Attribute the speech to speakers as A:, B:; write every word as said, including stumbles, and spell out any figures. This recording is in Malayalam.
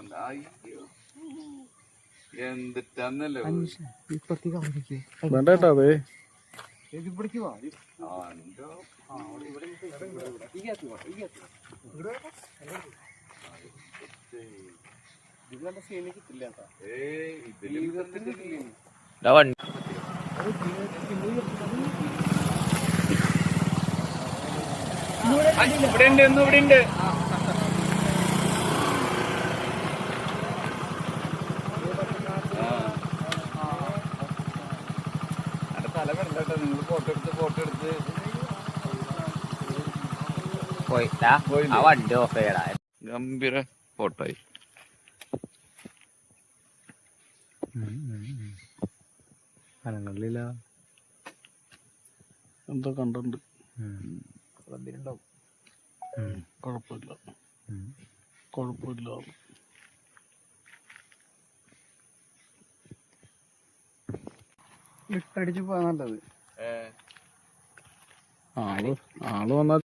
A: എന്തിട്ടാന്നല്ലോ
B: വേണ്ട കേട്ടോ അതെ
A: ഇവിടെ ഉണ്ട് ഒന്നും ഇവിടെ ഉണ്ട്. തല കണ്ടോ നിങ്ങൾ ഫോട്ടോ എടുത്ത് ഫോട്ടോ എടുത്ത്
C: വണ്ടി ഓഫ് ചെയ്യടാ.
A: ഗംഭീര ഫോട്ടോ ആയി.
B: അനങ്ങളില്ല എന്താ കണ്ടുണ്ട് കുഴപ്പമില്ല കുഴപ്പമില്ല.
D: അടിച്ചു പോവാ നല്ലത്.
B: ആള് ആള് വന്നാൽ